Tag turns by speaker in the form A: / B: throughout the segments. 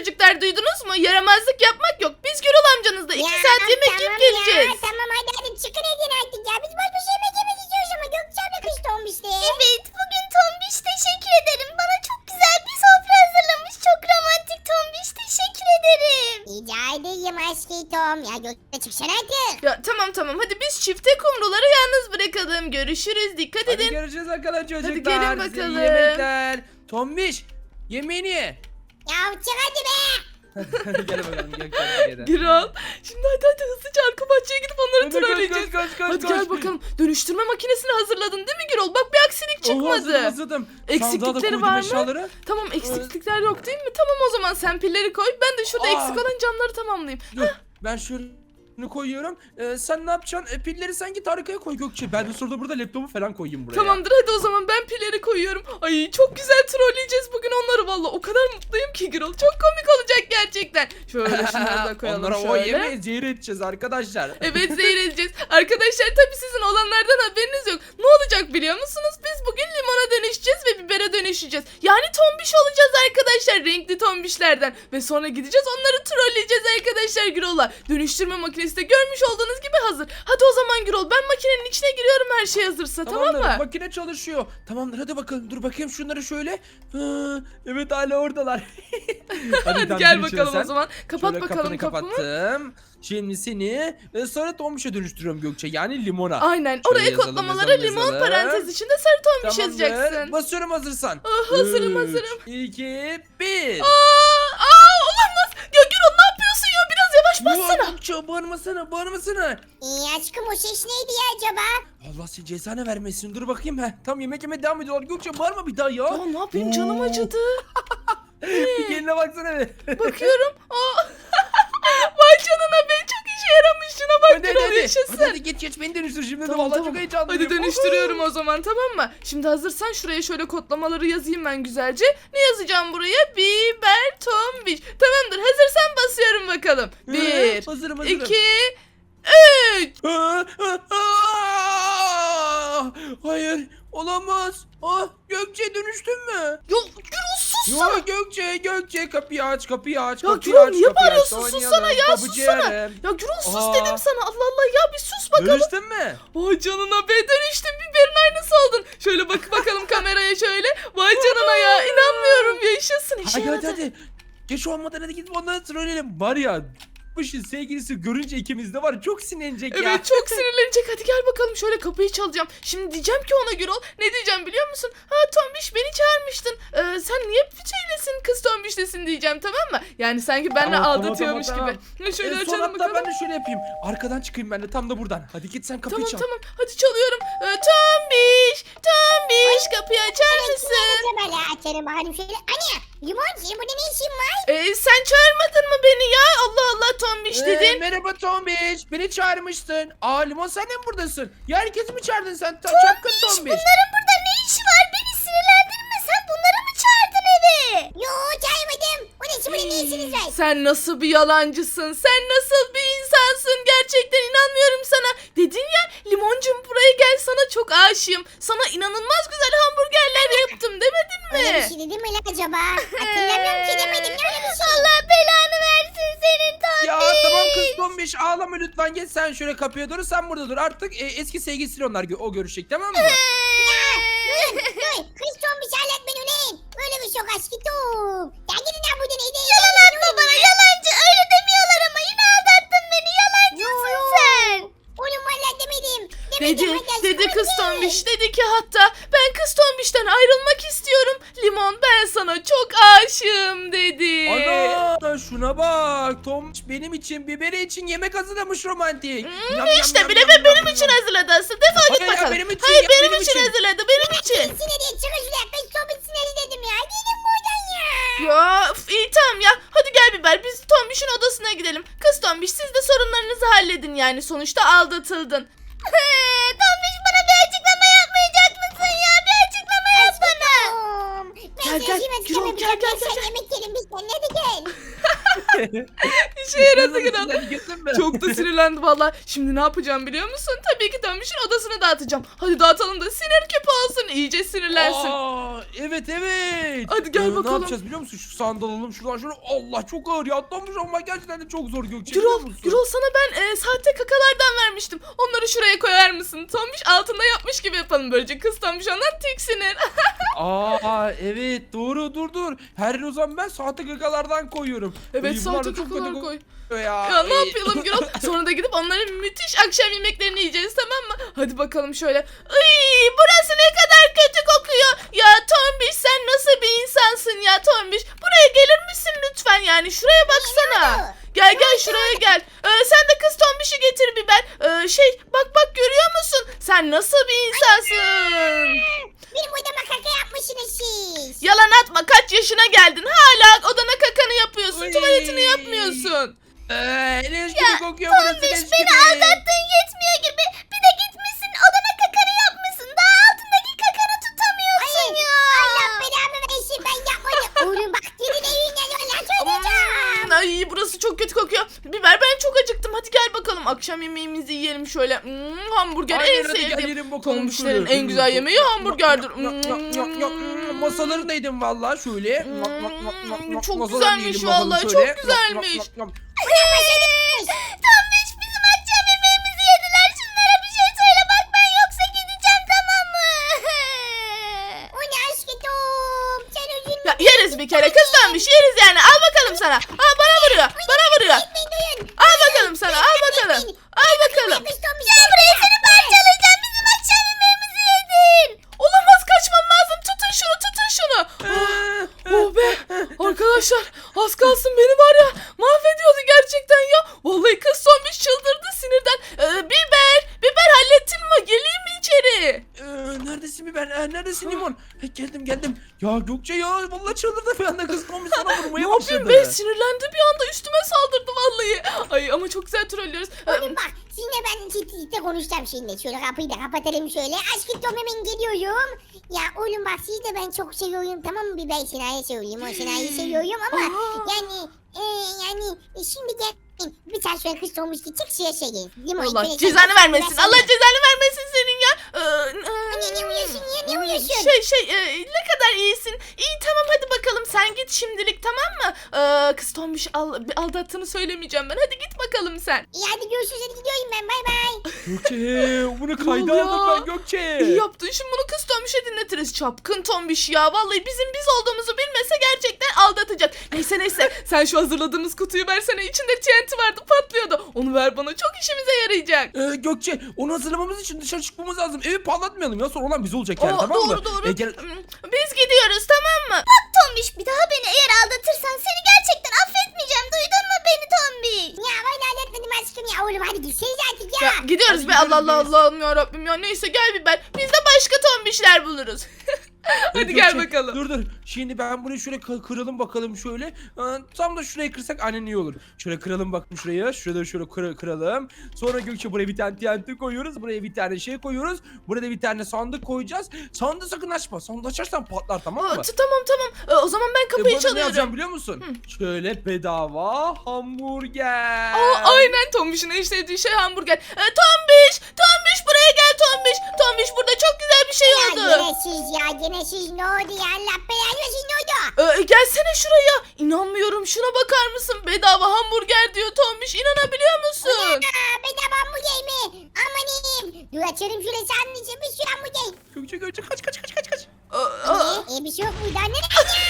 A: çocuklar, duydunuz mu? Yaramazlık yapmak yok. Biz Gürol amcanızla 2 saat yemek yiyip geleceğiz.
B: Ya, tamam hadi çıkın edin artık ya. Biz boş boş yemek yemek istiyoruz ama Gökçe abla kış olmuştu.
C: Evet, bugün Tombiş teşekkür ederim. Bana çok güzel bir sofra hazırlamış. Çok romantik Tombiş, teşekkür ederim.
B: Rica edeyim aşkı Tom. Ya Gökçe çıksana artık.
A: Ya tamam hadi biz çifte kumruları yalnız bırakalım. Görüşürüz, dikkat
D: Hadi
A: edin.
D: görüşürüz bakalım çocuklar.
A: Hadi gelin
D: Size iyi
A: bakalım.
D: yemekler. Tombiş yemeğini ye.
B: Ya çık hadi be.
D: Hadi gel bakalım Gökçen.
A: Gürol, şimdi hadi hızlıca arka bahçeye gidip onları trolleyeceğiz.
D: Koş.
A: Hadi gel bakalım. Dönüştürme makinesini hazırladın değil mi Gürol? Bak bir aksilik çıkmadı.
D: Hazırladım.
A: Eksiklikleri var mı?
D: Eşyaları.
A: Tamam, eksiklikler yok değil mi? Tamam, o zaman sen pilleri koy. Ben de şurada
D: Aa.
A: eksik olan camları tamamlayayım.
D: Dur, ben şöyle koyuyorum. Sen ne yapacaksın? Pilleri sen git arkaya koy Gökçe. Ben de sonra burada laptopu falan koyayım buraya.
A: Tamamdır, hadi o zaman ben pilleri koyuyorum. Ay çok güzel trolleyeceğiz bugün onları valla. O kadar mutluyum ki Gürol. Çok komik olacak gerçekten. Şöyle şunları da koyalım
D: Onlara
A: şöyle.
D: o yemeği zehir edeceğiz arkadaşlar.
A: Evet, zehir edeceğiz. Arkadaşlar tabii sizin olanlardan haberiniz yok. Ne olacak biliyor musunuz? Biz bugün limona dönüşeceğiz ve bibere dönüşeceğiz. Yani tombiş olacağız arkadaşlar. Renkli tombişlerden. Ve sonra gideceğiz onları trolleyeceğiz arkadaşlar Gürol'a. Dönüştürme makinesi de görmüş olduğunuz gibi hazır. Hadi o zaman Gürol, ben makinenin içine giriyorum her şey hazırsa, tamam mı?
D: Makine çalışıyor. Tamamdır, hadi bakalım. Dur bakayım şunları şöyle. Evet, hala oradalar.
A: Hadi
D: tamam,
A: gel
D: gir içeri
A: bakalım
D: sen.
A: o zaman. Kapat
D: Şöyle
A: bakalım
D: kapını
A: kapımı.
D: kapattım. Şimdi seni sonra tombişe dönüştürüyorum Gökçe. Yani limona.
A: Aynen.
D: Şöyle
A: Oraya
D: yazalım,
A: kodlamalara
D: yazalım,
A: limon
D: yazalım.
A: parantez içinde sarı tombiş
D: Tamamdır.
A: yazacaksın.
D: Basıyorum hazırsan.
A: Hazırım,
D: 3,
A: hazırım.
D: 2, 1.
A: Olamaz. Ya Gürol, ne yapıyorsun ya? Biraz yavaş bassana.
D: Gökçe bağırmasana.
B: Aşkım o ses neydi ya acaba?
D: Allah seni cezanı vermesin. Dur bakayım. Tam yemek yemeye devam ediyorlar. Gökçe bağırma bir daha ya.
A: Ya ne yapayım, canım
D: Oo.
A: acıdı.
D: Bir kendine baksana be.
A: Bakıyorum. Vay canına be, çok işe yaramış. Şuna bak Gürol, yaşasın.
D: Hadi geç beni dönüştür şimdi.
A: Tamam,
D: Vallahi
A: tamam.
D: çok heyecanlıyım.
A: Hadi dönüştürüyorum o zaman, tamam mı? Şimdi hazırsan şuraya şöyle kodlamaları yazayım ben güzelce. Ne yazacağım buraya? Biber tombiş. Tamamdır, hazırsan basıyorum bakalım. 1,
D: Hazırım.
A: 2, 3.
D: Hayır, olamaz. Gökçe dönüştün mü?
A: Ya Gürol sus sana.
D: Gökçe kapıyı aç.
A: Ya
D: Kapıyı
A: Gürol,
D: aç,
A: niye
D: kapıyı aç.
A: bağırıyorsun? Sussana ya,
D: Kapıcı
A: sussana.
D: yerim.
A: Ya Gürol sus
D: Aa.
A: dedim sana. Allah Allah ya, bir sus bakalım.
D: Dönüştün mü?
A: Vay canına be, dönüştün, biberin aynısı oldun. Şöyle bak bakalım kameraya şöyle. Vay canına ya, inanmıyorum, yaşasın, işe yaradı.
D: Hadi. Geç olmadan hadi gidip onları trolleyelim. Var ya, bu işin sevgilisi görünce ikimiz de var, çok sinirlenecek ya.
A: Evet, çok sinirlenecek. Hadi gel bakalım, şöyle kapıyı çalacağım. Şimdi diyeceğim ki ona Gürol, ne diyeceğim biliyor musun? Tombiş, beni çağırmıştın. Sen niye şeylesin, kız tombişlesin diyeceğim, tamam mı? Yani sanki benimle
D: Tamam,
A: aldatıyormuş
D: tamam.
A: gibi. Şöyle
D: Son
A: açalım
D: hatta
A: bakalım.
D: ben de şöyle yapayım. Arkadan çıkayım ben de, tam da buradan. Hadi git sen kapıyı çal.
A: Tamam hadi çalıyorum. Tombiş kapıyı açar mısın?
B: Böyle açarım bakalım şöyle. Anne limon senin burada ne işin var?
A: Sen çağırmadın mı beni ya? Allah Allah, tombiş dedin.
D: Merhaba Tombiş. Beni çağırmıştın. Limon, sen de mi buradasın? Ya herkesi mi çağırdın sen? Çapkın Tombiş.
C: Bunların burada ne işi var? Beni sinirlendirme. Sen bunları mı çağırdın eve?
B: Yo çaymadım. O ne şimdi ne işiniz var?
A: Sen nasıl bir yalancısın? Sen nasıl bir insansın? Gerçekten inanmıyorum sana. Dedin ya, limoncum buraya gel, sana çok aşığım. Sana inanılmaz güzel hamburgerler yaptım demedin
B: Öyle bir
A: mi?
B: şey dedim mi lan acaba? Hatırlamıyorum ki demedim ya öyle bir şey.
C: Allah belanı versin senin Tombiş.
D: Ya tamam kız Tombiş, ağlama lütfen, geç sen şöyle kapıya doğru, sen burada dur. Artık eski sevgilisiyle onlar o görüşecek, tamam mı?
B: Dur kız son bir şey anlat beni ulan. Böyle bir şok aşkım. Ya gidin ya buradan neydi?
C: Yalan atma bana, yalancı. Öyle demiyorlar ama yine aldattın beni. Yalancısın sen.
B: Oğlum valla demedim.
A: Dedi kız tombiş, dedi ki hatta ben kız tombişten ayrılmak istiyorum. Limon, ben sana çok aşığım dedi.
D: Ana şuna bak, Tombiş benim için, biberi için yemek hazırlamış, romantik.
A: İşte bile ve benim için hazırladı aslında. Defol git
D: Hayır ya,
A: bakalım.
D: benim için,
A: Hayır,
D: ya,
A: benim
D: benim
A: için
D: için.
A: hazırladı, benim için.
B: Sinirli çıkın şuraya. Kız son bir sinirli dedim ya. Gidin buradan ya.
A: Ya iyi tamam ya. Hadi gel Biber, biz Tombiş'in odasına gidelim. Kız Tombiş, siz de sorunlarınızı halledin yani. Sonuçta aldatıldın.
C: Tombiş, bana bir açıklama yapmayacak mısın ya? Bir açıklama yap bana.
B: Ben
A: Gel, gel,
B: yemek
A: Gürol,
B: yemeyeceğim.
A: gel,
B: Sen
A: gel.
B: yemek yiyelim biz seninle, hadi gel.
A: işe yaradı Gürol.
D: Sinirlendin mi?
A: Çok da sinirlendi valla. Şimdi ne yapacağım biliyor musun? Tabii ki Tombiş'in odasını dağıtacağım. Hadi dağıtalım da sinir küpü olsun. İyice sinirlensin.
D: Aa, evet.
A: Hadi gel
D: Ne
A: bakalım.
D: yapacağız biliyor musun? Şu sandalı alalım şuradan şöyle. Allah çok ağır ya. Atlanmış ama gerçekten de çok zor Gökçe, biliyor
A: Gürol,
D: musun?
A: Gürol sana ben sahte kakalardan vermiştim. Onları şuraya koyar mısın? Tombiş altında yapmış gibi yapalım böylece. Kız Tombiş ondan tiksinir.
D: Aa evet doğru dur. Her o zaman ben sahte gagalardan koyuyorum.
A: Evet
D: Ay, bunlar da
A: sahte
D: çok
A: kakalar
D: kötü
A: koy.
D: kokuyor ya.
A: Ya ne
D: Ay.
A: yapalım Gürol? Sonra da gidip onların müthiş akşam yemeklerini yiyeceğiz, tamam mı? Hadi bakalım şöyle. Iy, burası ne kadar kötü kokuyor. Ya Tombiş sen nasıl bir insansın ya Tombiş? Buraya gelir misin lütfen yani? Şuraya baksana. Gel şuraya gel. Sen de kız Tombiş'i getir bir ben. Bak görüyor musun? Sen nasıl bir insansın?
B: Benim odama kaka yapmışsınız siz.
A: Yalan atma, kaç yaşına geldin? Hala odana kakanı yapıyorsun.
D: Uy.
A: Tuvaletini yapmıyorsun.
D: Leş gibi kokuyor burası,
C: Tombiş
D: leş
C: beni
D: gibi.
C: aldattığın yetmiyor gibi. Bir de gitmişsin odana kakanı yapmışsın. Daha altındaki kakanı tutamıyorsun ya.
B: Allah belamı versin ben yapmadım. Oğlum bak gelin evinden yola söyleyeceğim.
A: Ay burası çok kötü kokuyor. Biber ben çok acıktım. Hadi gel bakalım akşam yemeğimizi yiyelim şöyle. Hamburger
D: Aynen,
A: en
D: hadi gel
A: sevdiğim.
D: yiyelim bakalım
A: Tombişlerin
D: şöyle.
A: en güzel yemeği hamburgerdir.
D: Masaları neydim valla şöyle.
A: Çok
D: Masalarını
A: güzelmiş
D: yiyelim bakalım
A: vallahi,
D: şöyle.
A: çok güzelmiş.
C: Tombiş bizim akşam yemeğimizi yediler. Şunlara bir şey söyle bak ben yoksa gideceğim, tamam mı?
B: O ne aşkım? Sen üzülme.
A: Ya yeriz bir kere kız Tombiş, yeriz yani. Al bakalım sana. Aa bana vuruyor.
B: Gitmeyin duyun.
A: Al bakalım sana. Al bakalım. Al bakalım.
B: Kız Tombiş
C: Gel buraya seni parçalayacağım. Bizim akşam yemeğimizi yedin.
A: Olamaz, kaçmam lazım. Tutun şunu. Oh be. Arkadaşlar az kalsın beni var ya mahvediyordu gerçekten ya. Vallahi kız Tombiş çıldırdı sinirden. Biber hallettin mi? Geleyim mi içeri?
D: Neredesin biber? Neredesin limon? Geldim. Ya Gökçe ya vallahi çıldırdı bir anda, kız kombi sana
A: Ne
D: vurmaya
A: yapayım
D: başladı.
A: be, sinirlendi bir anda üstüme saldırdı vallahi. Ay ama çok güzel trollüyoruz.
B: Oğlum bak sizinle ben ciddi konuşacağım şimdi. Şöyle kapıyı da kapatalım şöyle. Aşkım Tom hemen geliyorum. Ya oğlum bak sizi de ben çok seviyorum, tamam mı? Bir ben Sina'yı seviyorum. O Sina'yı seviyorum ama yani şimdi gel. Bir tane şöyle kız olmuş ki çık şuraya şey gelin. Limon,
A: Allah
B: şöyle
A: cezanı
B: sen-
A: vermesin.
B: sen-
A: Allah cezanı vermesin senin ya.
B: Ne uyuyorsun ya, ne uyuyorsun?
A: Ne kadar iyisin. İyi tamam hadi bakalım sen git şimdilik, tamam mı? Kız Tombiş aldattığını söylemeyeceğim ben. Hadi git bakalım sen.
B: İyi hadi görüşürüz, hadi gidiyorum ben, bay bay.
D: Gökçe bunu kayda
A: oluyor?
D: aldım ben Gökçe.
A: İyi yaptın. Şimdi bunu kız Tombiş'e dinletiriz. Çapkın Tombiş ya. Vallahi bizim biz olduğumuzu bilmese gerçekten aldatacak. Neyse. Sen şu hazırladığımız kutuyu versene. İçinde TNT vardı, patlıyordu. Onu ver bana. Çok işimize yarayacak.
D: Gökçe onu hazırlamamız için dışarı çıkmamız lazım. Evi patlatmayalım ya, sonra olan biz olacak yani,
A: Aa,
D: tamam mı?
A: doğru.
D: Gel.
A: Biz gidiyoruz, tamam mı?
C: Tombiş bir daha beni eğer aldatırsan seni gerçekten affetmeyeceğim. Duydun mu beni Tombiş?
B: Ya ben halletmedim aşkım ya. Oğlum hadi gitseniz artık ya.
A: Ya, gidiyoruz
D: Hadi
A: be.
D: gidiyoruz
A: Allah
D: biz.
A: Allah'ım ya Rabbim ya. Neyse gel biber. Biz de başka Tombişler buluruz. Hadi gel
D: Gökçe,
A: bakalım.
D: Dur. Şimdi ben bunu şöyle kıralım bakalım şöyle. Tam da şurayı kırsak annen iyi olur. Şöyle kıralım bakalım şuraya. Şurada şöyle kıralım. Sonra Gökçe buraya bir tane TNT koyuyoruz. Buraya bir tane şey koyuyoruz. Buraya bir tane sandık koyacağız. Sandığı sakın açma. Sandığı açarsan patlar, tamam mı?
A: Tamam. O zaman ben kapıyı
D: Burada ne
A: çalıyorum.
D: yazacağım biliyor musun? Şöyle bedava hamburger.
A: Aynen Tombiş'in en sevdiği şey hamburger. Tombiş buraya gel Tombiş. Tombiş burada çok güzel bir şey
B: Ya
A: oldu.
B: gene siz ne oldu ya? Allah belanı versin, ne oldu?
A: Gelsene şuraya. İnanmıyorum, şuna bakar mısın? Bedava hamburger diyor Tombiş. İnanabiliyor musun?
B: Bedava hamburger mi? Amanim. Dur açarım şöyle senin için bir sürü hamburger.
D: Gökçe kaç.
B: Bir şey yok muydu anne?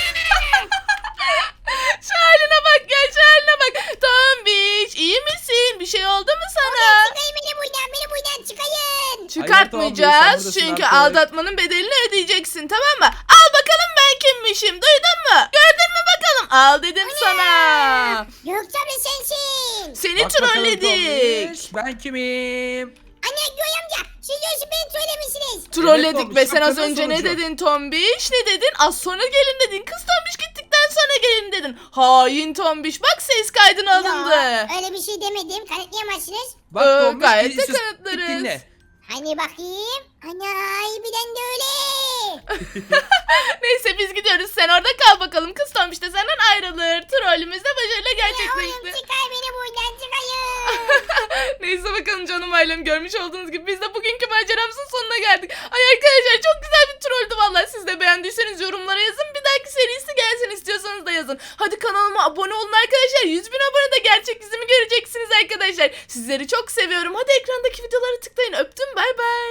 A: Şu haline bak ya, şu haline bak. Tombiş iyi misin? Bir şey oldu mu sana?
B: Çıkayın beni buradan çıkayın.
A: Çıkartmayacağız
D: Hayır, Tombiş, sen
A: çünkü
D: buradasın artık.
A: aldatmanın bedelini ödeyeceksin, tamam mı? Al bakalım ben kimmişim, duydun mu? Gördün mü bakalım? Al dedim sana.
B: Gökçe abla sensin.
A: Seni
D: Bak bakalım
A: trolledik.
D: Tombiş, ben kimim?
B: Anne Göğe amca siz o beni söylemişsiniz.
A: Trolledik
D: Tombiş,
A: ve sen az
D: hakikaten
A: önce ne
D: sonucu.
A: dedin Tombiş? Ne dedin? Az sonra gelin dedin. Kız Tombiş gittikten sonra gelin dedin. Hain Tombiş. Bak ses kaydına alındı.
B: Yok, öyle bir şey demedim. Kanıtlayamazsınız.
D: Bak Tombiş,
A: gayet de
D: sus,
A: kanıtlarız.
D: dinle.
B: Hani bakayım. Ana birden de öyle.
A: Neyse biz gidiyoruz. Sen orada kal bakalım. Kız Tombiş de senden ayrılır. Trollümüz de başarıyla
B: Oğlum
A: gerçekleşti.
B: çıkar beni buradan çıkayım.
A: Neyse bakalım canım ailem, görmüş olduğunuz gibi biz de bugünkü maceramızın sonuna geldik. Ay arkadaşlar çok güzel bir trolldü vallahi. Siz de beğendiyseniz yorumlara yazın. Bir dahaki serisi gelsin istiyorsanız da yazın. Hadi kanalıma abone olun arkadaşlar. 100.000 abone de gerçek yüzümü göreceksiniz arkadaşlar. Sizleri çok seviyorum. Hadi ekrandaki videoları tıklayın. Öptüm, bay bay.